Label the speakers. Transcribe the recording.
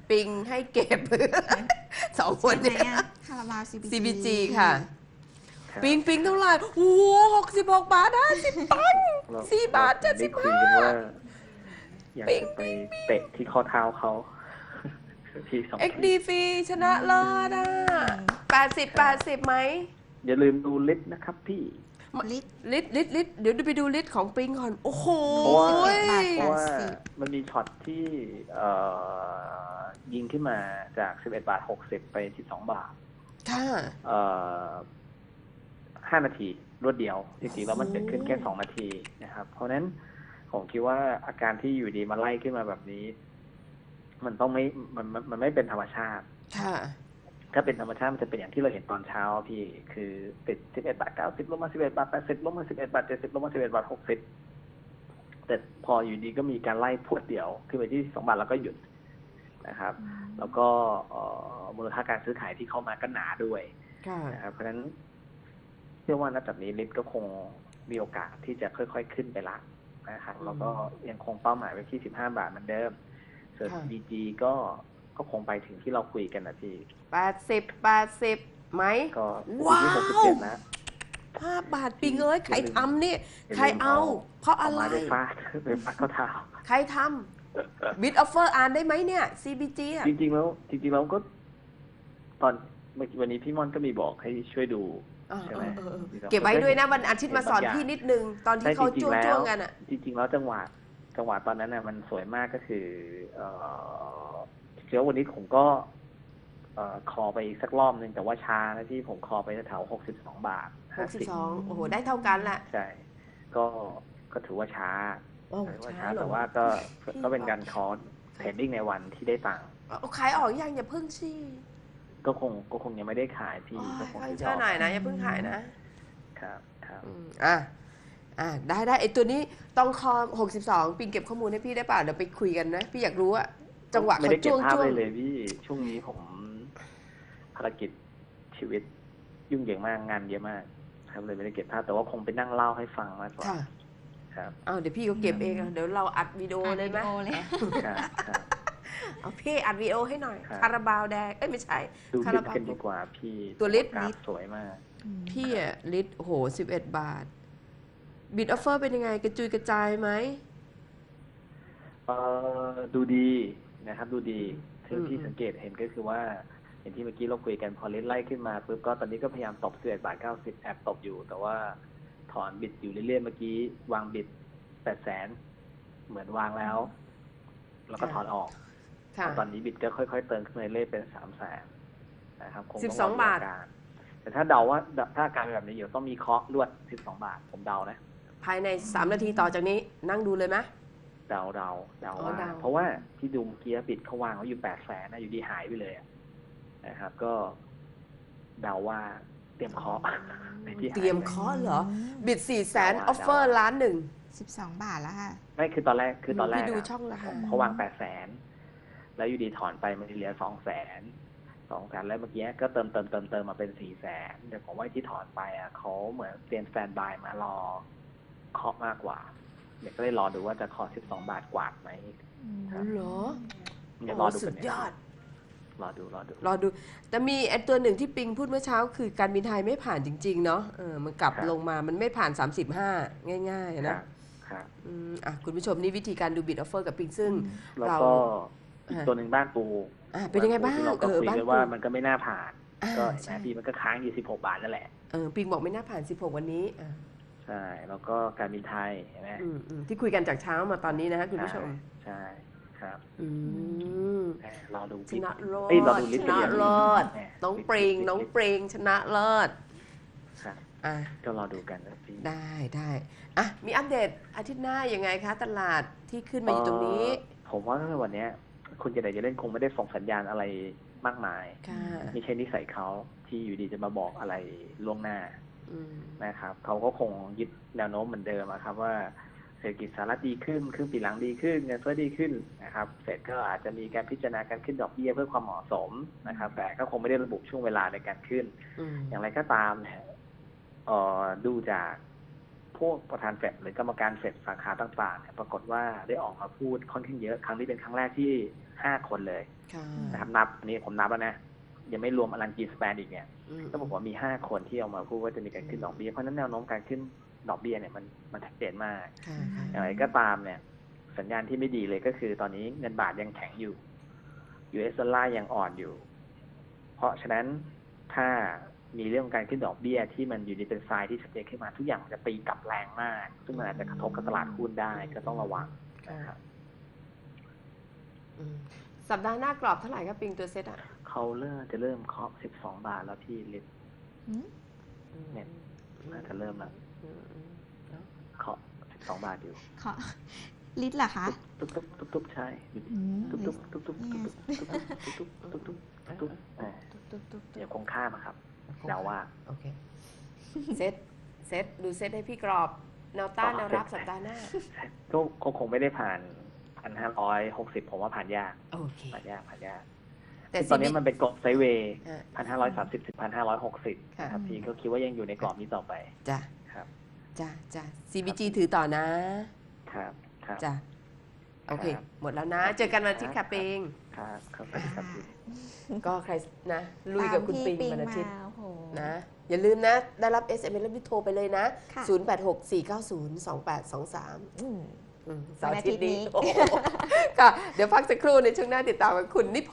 Speaker 1: ปิงให้เก็บ สองคนเนี่ย
Speaker 2: คาราบาว
Speaker 1: CBG ค่ะ ปิงเท่าไหร่โอ้โห66 บาท50 ตังค์4 บาท
Speaker 3: ได้คุยกันว่า
Speaker 1: 75
Speaker 3: อยากจะไปเตะที่ข้อเท้าเขา ที่2
Speaker 1: XD ฟรีชนะเลิศ80ไหม
Speaker 3: อย่าลืมดูลิสต์นะครับพี่
Speaker 2: ลิตร
Speaker 1: ลิตเดี๋ยวไปดูลิตของปิงก่อนโอ้โห
Speaker 3: เพราะว่ามันมีช็อตที่ยิงขึ้นมาจาก11 บาท 60ไป12 บาท
Speaker 1: ค่ะ
Speaker 3: 5 นาทีรวดเดียวจริงๆแล้วมันเกิดขึ้นแค่2 นาทีนะครับเพราะฉะนั้นผมคิดว่าอาการที่อยู่ดีมาไล่ขึ้นมาแบบนี้มันต้องมันไม่เป็นธรรมชาติ
Speaker 1: ค่ะ
Speaker 3: ถ้าเป็นธรรมชาติมันจะเป็นอย่างที่เราเห็นตอนเช้าพี่คือติด11 บาท 90ลงมา11 บาท 80ลงมา11 บาท 70ลงมา11 บาท 60แต่พออยู่ดีก็มีการไล่พรวดเดียวขึ้นไปที่2 บาทแล้วก็หยุดนะครับแล้วก็มูลค่าการซื้อขายที่เข้ามาก็หนาด้วยนะครับเพราะฉะนั้นเชื่อว่านับจากนี้ลิฟต์ก็คงมีโอกาสที่จะค่อยๆขึ้นไปละนะครับแล้วก็ยังคงเป้าหมายไว้ที่15 บาทเหมือนเดิมส่วน BG ก็คงไปถึงที่เราคุยกันนะพี่
Speaker 1: 80ไหม
Speaker 3: ว้าวนะ
Speaker 1: 5 บาทปิงเอ้ยใครทำนี่ใครเอาเพราะอะไร
Speaker 3: ไปฟาดเข้าเท้า
Speaker 1: ใครทำบิดออฟเฟอร์อ่านได้ไหมเนี่ย CBG อ่ะ
Speaker 3: จริงๆแล้วก็ตอนวันนี้พี่ม่อนก็มีบอกให้ช่วยดูใช่ไหม
Speaker 1: เก็บไว้ด้วยนะวันอาทิตย์มาสอนพี่นิดนึงตอนที่เขาจ้วงกันอ่ะ
Speaker 3: จริงๆแล้วจังหวะตอนนั้นน่ะมันสวยมากก็คือเชื่อวันนี้ผมก็คอไปสักรอบนึงแต่ว่าช้านะที่ผมคอไปแถว62 บาท
Speaker 1: 62โอ้โหได้เท่ากันแหละ
Speaker 3: ใช่ก็ถือว่าช้าแต่ว่าก็เป็นการคอเทรดดิ้งในวันที่ได้ตังค์
Speaker 1: ขายออกยังอย่าเพิ่งชี้
Speaker 3: ก็คงยังไม่ได้ขายพี่ก็คง
Speaker 1: เชื่อหน่อยนะอย่าเพิ่งขายนะครับได้ไอตัวนี้ต้องคอ62ปิงเก็บข้อมูลให้พี่ได้ป่ะเดี๋ยวไปคุยกันนะพี่อยากรู้อะจังหวะเขาจ้วง
Speaker 3: เลยพี่ช่วงนี้ผมภารกิจชีวิตยุ่งเหยิงมากงานเยอะมากครับเลยไม่ได้เก็บภาพแต่ว่าคงไปนั่งเล่าให้ฟังมากกว่าครับ
Speaker 1: เดี๋ยวพี่ก็เก็บเองเดี๋ยวเราอัดวิดีโอเลยไหมเอาพี่อัดวิดีโอให้หน่อยคาราบาวแดงไม่ใช่
Speaker 3: ดูลิตกันดีกว่าพี่
Speaker 1: ตัวลิต
Speaker 3: สวยมาก
Speaker 1: พี่อะลิตโห11 บาทบิดออฟเฟอร์เป็นยังไงกระจุยกระจายไหม
Speaker 3: ดูดีนะครับดูดีที่สังเกตเห็นก็คือว่าอย่างที่เมื่อกี้เราคุยกันพอลิตไล่ขึ้นมาปุ๊บก็ตอนนี้ก็พยายามตบ11 บาท 90แอบตบอยู่แต่ว่าถอนบิดอยู่เรื่อยๆเมื่อกี้วางบิด800,000เหมือนวางแล้วก็ถอนออกตอนนี้บิดก็ค่อยๆเติมขึ้นมาเรื่อยๆเป็น300,000นะครับคงต้อง
Speaker 1: 12 บาท
Speaker 3: แต่ถ้าเดาว่าถ้าการแบบนี้อยู่ต้องมีเคาะลวด12 บาทผมเดานะ
Speaker 1: ภายใน3 นาทีต่อจากนี้นั่งดูเลยไหม
Speaker 3: เดาว่าเพราะว่าที่ดูเมื่อกี้บิดเขาวางไว้อยู่800,000นะอยู่ดีหายไปเลยนะครับก็เดาว่าเตรียมเคาะ
Speaker 1: เตรียมเคาะเหรอบิด400,000ออฟเฟอร์1,000,000
Speaker 2: 12 บาทแล้วค่ะ
Speaker 3: ไม่คือตอนแรก
Speaker 1: ดูช่องละ
Speaker 3: เขาวาง800,000แล้วอยู่ดีถอนไปมันเหลือ200,000แล้วเมื่อกี้ก็เติมมาเป็น400,000แต่ผมว่าที่ถอนไปเขาเหมือนเตรียมสแตนด์บายมารอเคาะมากกว่าเดี๋ยวก็เลยรอดูว่าจะเคาะ12 บาทกว่าไหม
Speaker 1: เหรอ
Speaker 3: รอดู
Speaker 1: สุดยอด
Speaker 3: รอ
Speaker 1: ดูแต่มีไอ้ตัวหนึ่งที่ปิงพูดเมื่อเช้าคือการบินไทยไม่ผ่านจริงๆเนาะมันกลับลงมามันไม่ผ่าน35ง่ายๆนะคุณผู้ชมนี่วิธีการดูบิดออฟเฟอร์กับปิงซึ่ง
Speaker 3: เราก็อีกตัวหนึ่งบ้านปู
Speaker 1: เป็นยังไงบ้าง
Speaker 3: เราก็คุยกันว่ามันก็ไม่น่าผ่านก็แม้พี่มันก็ค้างอยู่16 บาทนั่นแหละ
Speaker 1: ปิงบอกไม่น่าผ่าน16วันนี้
Speaker 3: ใช่แล้วก็การบินไทยเห็นไหม
Speaker 1: ที่คุยกันจากเช้ามาตอนนี้นะฮะคุณผู้ชม
Speaker 3: ใช่ครับรอดู
Speaker 1: ชนะเลิศน้องปริงชนะเลิศ
Speaker 3: ก็รอดูกันนะพี่
Speaker 1: ได้มีอัปเดตอาทิตย์หน้ายังไงคะตลาดที่ขึ้นมาอยู่ตรงนี้
Speaker 3: ผมว่าวันนี้คุณจะเล่นคงไม่ได้ส่งสัญญาณอะไรมากมายไม่ใช่นิสัยเขาที่อยู่ดีจะมาบอกอะไรล่วงหน้านะครับเขาก็คงยึดแนวโน้มเหมือนเดิมครับว่าเศรษฐกิจสหรัฐดีขึ้นครึ่งปีหลังดีขึ้นเงินเฟ้อดีขึ้นนะครับเฟดก็อาจจะมีการพิจารณาการขึ้นดอกเบี้ยเพื่อความเหมาะสมนะครับแต่ก็คงไม่ได้ระบุช่วงเวลาในการขึ้นอย่างไรก็ตามดูจากพวกประธานเฟดหรือกรรมการเฟดสาขาต่างๆเนี่ยปรากฏว่าได้ออกมาพูดค่อนข้างเยอะครั้งนี้เป็นครั้งแรกที่5 คนเลย
Speaker 1: ค่ะ
Speaker 3: นะครับนับอันนี้ผมนับแล้วนะยังไม่รวมอลันจีสแปนอีกเนี่ย
Speaker 1: อืม
Speaker 3: ก็บอกว่ามี5 คนที่ออกมาพูดว่าจะมีการขึ้นดอกเบี้ยเพราะฉะนั้นแนวโน้มการขึ้นดอกเบี้ยเนี่ยมันชัดเจนมาก
Speaker 1: ค่ะค่ะ
Speaker 3: อย่างไรก็ตามเนี่ยสัญญาณที่ไม่ดีเลยก็คือตอนนี้เงินบาทยังแข็งอยู่ US ดอลลาร์ยังอ่อนอยู่ เพราะฉะนั้นถ้ามีเรื่องการขึ้นดอกเบี้ยที่มันอยู่ในเป็นทรายที่ชัดเจนขึ้นมาทุกอย่างมันจะตีกลับแรงมาก ซึ่งมันอาจจะกระทบกับตลาดหุ้นได้ก็ต้องระวังนะครับ
Speaker 1: อืมสัปดาห์หน้ากรอบเท่าไหร่ครับปิงตัวเซตอ่ะ
Speaker 3: เขาจะเริ่มเคาะ12 บาทแล้วพี่ลิต
Speaker 2: อืม
Speaker 3: เนี่ยน่าจะเริ่มแล้ว
Speaker 1: อืมเนอะ
Speaker 3: เคาะ12 บาทอยู่
Speaker 2: ขอลิตรเหรอคะ
Speaker 3: ตุ๊บตุ๊บตุ๊บตุ๊บใช่
Speaker 2: อืม
Speaker 3: ตุ๊บตุ๊บตุ๊บตุ๊บตุ๊บตุ๊บตุ๊บตุ๊บตุ๊บตุ๊บตุ๊บอ่า
Speaker 1: ตุ๊บตุ๊บ
Speaker 3: เดี๋ยวคงข้ามอะครับเดาว่า
Speaker 1: โอเคเซตดูเซตให้พี่กรอบแนวต้านแนวรับสัปดาห์หน้า
Speaker 3: ก็คงไม่ได้ผ่าน 1,560 ผมว่าผ่านยาก
Speaker 1: โอเค
Speaker 3: ผ่านยาก
Speaker 1: แต่
Speaker 3: ตอนนี้มันเป็นกรอบไซด์เวย์
Speaker 1: อ่ะ
Speaker 3: 1,530 ถึง 1,560 นะครับพี่ก็คิดว่ายังอยู่ในกรอบนี้ต่อไป
Speaker 1: จ้ะ
Speaker 3: ครับ
Speaker 1: จ้ะ CBG ถือต่อนะ
Speaker 3: ครับครับ
Speaker 1: จ้ะโอเค
Speaker 3: ครับ
Speaker 1: หมดแล้วนะ เจอกันวันอาทิตย์ค่ะปิง
Speaker 3: ครับครับสวัสดีครับพี่
Speaker 1: ก็ใครนะ ลุยกับคุณปิง
Speaker 2: ตามที่
Speaker 1: วันอาทิตย์
Speaker 2: มาโอ้โห
Speaker 1: นะ อย่าลืมนะ ได้รับ SMS แล้วรีบโทรไปเลยนะ
Speaker 2: ค่ะ
Speaker 1: 0864902823
Speaker 2: อืม
Speaker 1: เสาร์อาทิตย์นี้
Speaker 2: วันอาทิตย์นี้
Speaker 1: โอ้โหค่ะ เดี๋ยวพักสักครู่ในช่วงหน้าติดตามกับคุณนิพ